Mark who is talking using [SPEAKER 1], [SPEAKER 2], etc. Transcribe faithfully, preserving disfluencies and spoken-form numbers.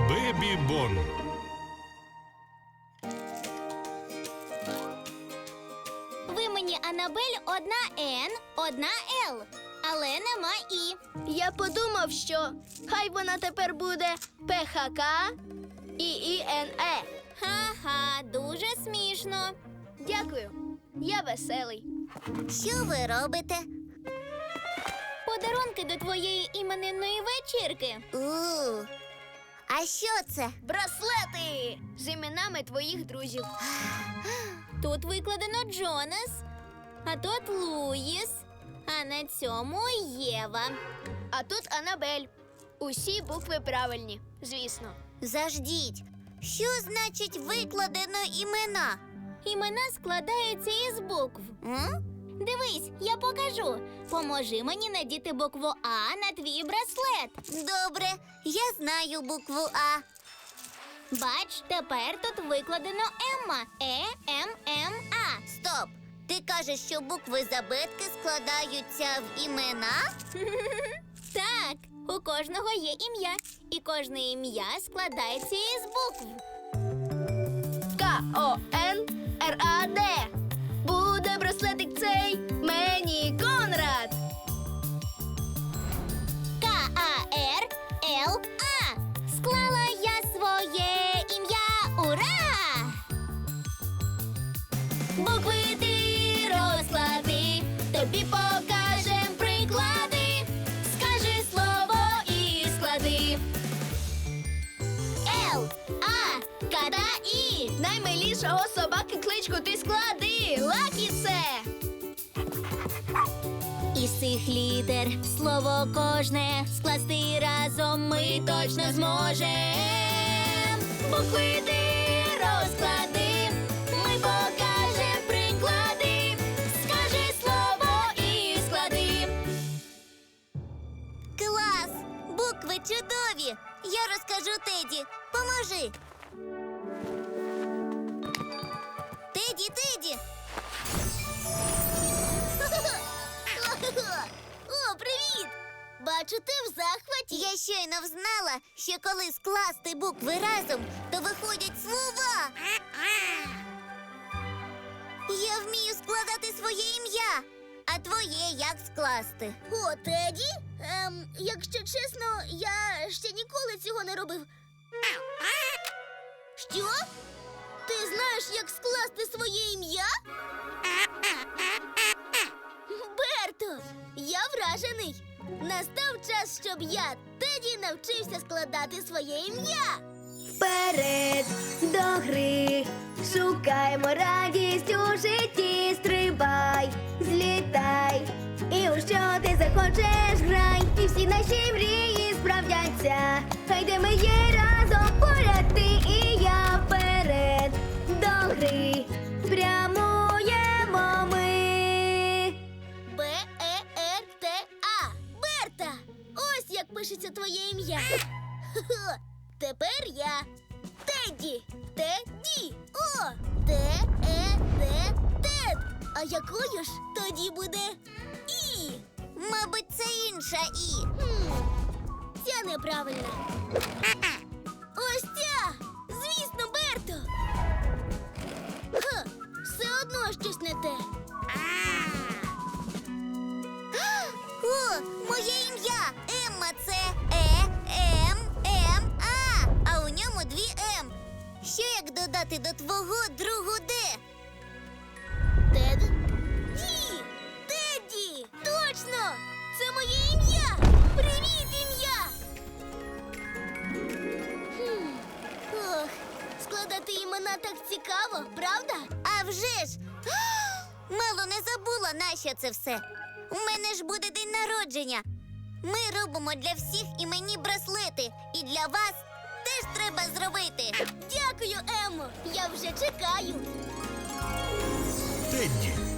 [SPEAKER 1] Бебі Бон.
[SPEAKER 2] В імені Анабель одна Н, одна Л, але нема І.
[SPEAKER 3] Я подумав, що хай вона тепер буде П Х К і І Н Е.
[SPEAKER 2] Ха-ха, дуже смішно.
[SPEAKER 3] Дякую. Я веселий.
[SPEAKER 2] Що ви робите? Подарунки до твоєї іменинної вечірки.
[SPEAKER 4] У, а що це?
[SPEAKER 3] Браслети з іменами твоїх друзів.
[SPEAKER 2] Тут викладено Джонас, а тут Луїс, а на цьому Єва.
[SPEAKER 3] А тут Анабель. Усі букви правильні, звісно.
[SPEAKER 4] Заждіть. Що значить викладено імена?
[SPEAKER 2] Імена складаються із букв.
[SPEAKER 4] М?
[SPEAKER 2] Дивись, я покажу. Поможи мені надіти букву А на твій браслет.
[SPEAKER 4] Добре, я знаю букву А.
[SPEAKER 2] Бач, тепер тут викладено Емма. Е, М, М, А.
[SPEAKER 4] Стоп! Ти кажеш, що букви з абетки складаються в імена?
[SPEAKER 2] Так, у кожного є ім'я, і кожне ім'я складається із букв.
[SPEAKER 3] К О Н Р А Д. Буде браслетик цей мені Конрад.
[SPEAKER 2] К, А, Р, Л, А. Склала я своє ім'я. Ура! Букви ти розклади, тобі покажем приклади. Скажи слово і склади. Л, А, К та І.
[SPEAKER 3] Наймилішого собаки кличку ти склади. Лакі це.
[SPEAKER 2] Із цих літер слово кожне скласти разом ми точно зможем. Букви ти розклади, ми покажем приклади. Скажи слово і склади.
[SPEAKER 4] Клас! Букви чудові! Я розкажу Теді. Поможи. Теді, Теді!
[SPEAKER 2] О, привіт! Бачу, ти в захваті.
[SPEAKER 4] Я щойно взнала, що коли скласти букви разом, то виходять слова. Я вмію складати своє ім'я. А твоє як скласти?
[SPEAKER 2] О, Теді? Ем, якщо чесно, я ще ніколи цього не робив. Що? Ти знаєш, як скласти своє ім'я? Берто, я вражений. Настав час, щоб я, Теді, навчився складати своє ім'я.
[SPEAKER 3] Вперед до гри, шукаймо радість у житті, стрибай, злітай, і у що ти захочеш грай, і всі наші мрії справдяться, хай де ми є разом поряд ти і я. Вперед до гри, прямуємо ми.
[SPEAKER 2] Б, Е, Р, Т, А. Берта! Ось як пишеться твоє ім'я. Хе-хе. Тепер я. Теді. Теді. О! Т, Е, Д, Тед. А якою ж тоді буде І?
[SPEAKER 4] Мабуть, це інша І.
[SPEAKER 2] Хм. Ця неправильна. Ось ця! Звісно, Берто! Ха, все одно щось не те.
[SPEAKER 4] О, моє ім'я! Емма – це Е, М, М, А. А у ньому дві М. Що як додати до твого другу Д?
[SPEAKER 2] Тед? Ді! Теді! Точно! Це моє ім'я! Привіт, ім'я! Хм. Ох, складати імена так цікаво, правда?
[SPEAKER 4] А вже ж! Мало не забула, нащо це все. У мене ж буде день народження. Ми робимо для всіх іменні браслети. І для вас теж треба зробити.
[SPEAKER 2] Дякую, Емо! Я вже чекаю.
[SPEAKER 1] Тедді.